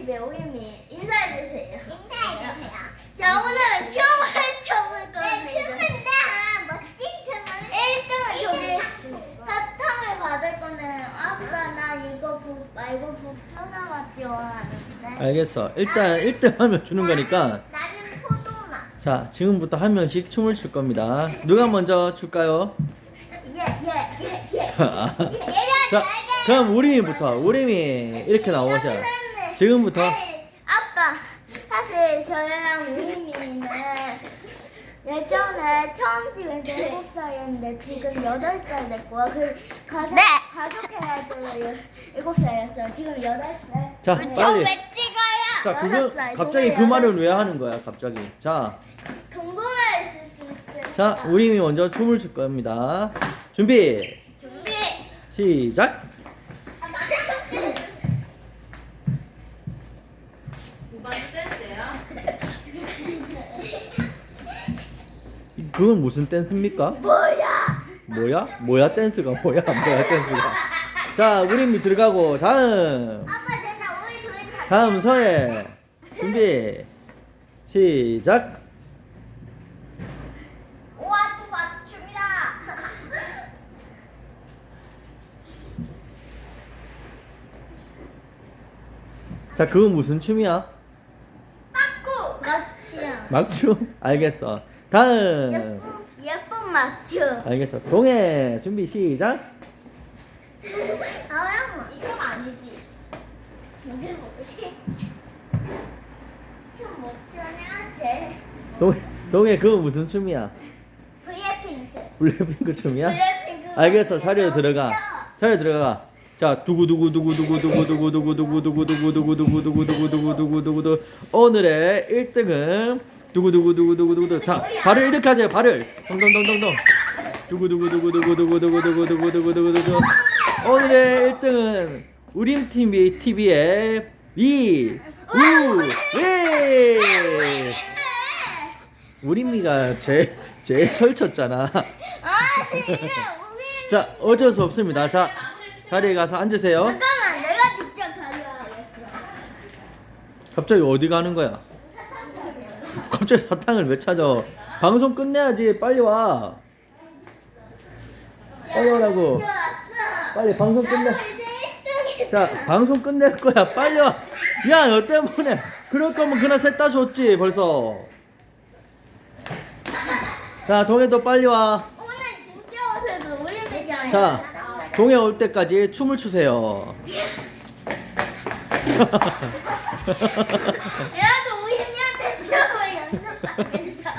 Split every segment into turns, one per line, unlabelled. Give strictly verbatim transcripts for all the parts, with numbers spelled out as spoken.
팀의 우임이 인사해주세요.
인사해주세요.
자, 오늘은 춤을 춰볼 겁니다.
네, 춤은 다 멋진 춤을
일 등은 저기
일 등
사탕을 받을 거는 아빠 나 이거 북 말고 복숭아 맛 좋아하는데.
알겠어. 일단 일 등 하면 주는 거니까.
나는 포도맛.
자, 지금부터 한 명씩 춤을 출 겁니다. 누가 먼저 출까요?
예예예 예.
아, 자, 그럼 우림이부터. 우림이 이렇게 나오셔요. 지금부터.
아빠, 사실 저랑 우림이는 예전에 처음 집에 때 일곱 살이었는데 지금 여덟 살 됐고요. 그 가족
네.
가족회할 때는 일곱 살이었어요. 지금 여덟 살.
자,
네.
빨리.
찍어요?
자, 그거
여덟 살,
갑자기 그
동네
말을
여덟
왜
살.
하는 거야, 갑자기? 자,
궁금해 있을 수 있어요.
자, 우림이 먼저 춤을 출 겁니다. 준비,
준비.
시작.
아, 나는
그건 무슨 댄스입니까?
뭐야?
뭐야? 뭐야 댄스가 뭐야? 뭐야 댄스가? 자, 우림이 들어가고 다음.
아빠 내가 우리 둘이 다.
다음 서예. 준비, 시작.
우와 또 맞춤이다.
자, 그건 무슨 춤이야?
빠꾸.
맞춤.
막춤? 알겠어. 다음.
예쁜 예쁜 맞춤.
알겠어. 동해. 준비 시작.
아영 이건 아니지.
근데 뭐지? 춤못 추냐 쟤?
동해. 동해 그건 무슨 춤이야?
브이에이핑크.
블랙핑크 춤이야?
블랙핑크.
알겠어. 자리에 들어가. 자리에 들어가. 자, 두구두구 두구 두구 두구 두구 두구 두구 두구 두구 두구 두구 두구 두구 두구 두구 두구 두구 오늘의 일 등은 두구 두구 두구 두구 두구 자, 발을 이렇게 하세요. 발을. 동동동동동. 두구 두구 두구 두구 두구 두구 두구 두구 두구 두구 두구 오늘의 일 등은 우림 티비 티비의 이 우리 우림이가 제 제일 설쳤잖아.
아 지금 우리.
자, 어쩔 수 없습니다. 자, 자리에 가서 앉으세요.
잠깐만 내가 직접 가져와야겠어.
갑자기 어디 가는 거야? 갑자기 사탕을 왜 찾아? 방송 끝내야지. 빨리 와. 빨리 오라고.
왔어.
빨리 방송 끝내.
나도 이제 일 등이.
자, 방송 끝낼 거야. 빨리 와. 야, 너 때문에. 그럴 거면 그날 셋 다 줬지 벌써. 자, 동해도 빨리 와.
오늘 진짜 오셔도 우리 배경.
자, 동해 올 때까지 춤을 추세요.
얘도 우임이한테 춤을 연습하겠어.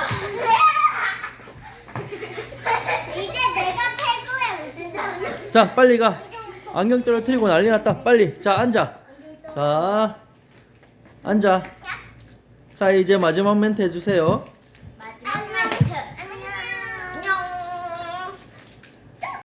이제 내가 최고의 우승자.
자, 빨리 가. 안경 떨어뜨리고 난리 났다. 빨리. 자, 앉아. 자, 앉아. 자, 이제 마지막 멘트 해주세요.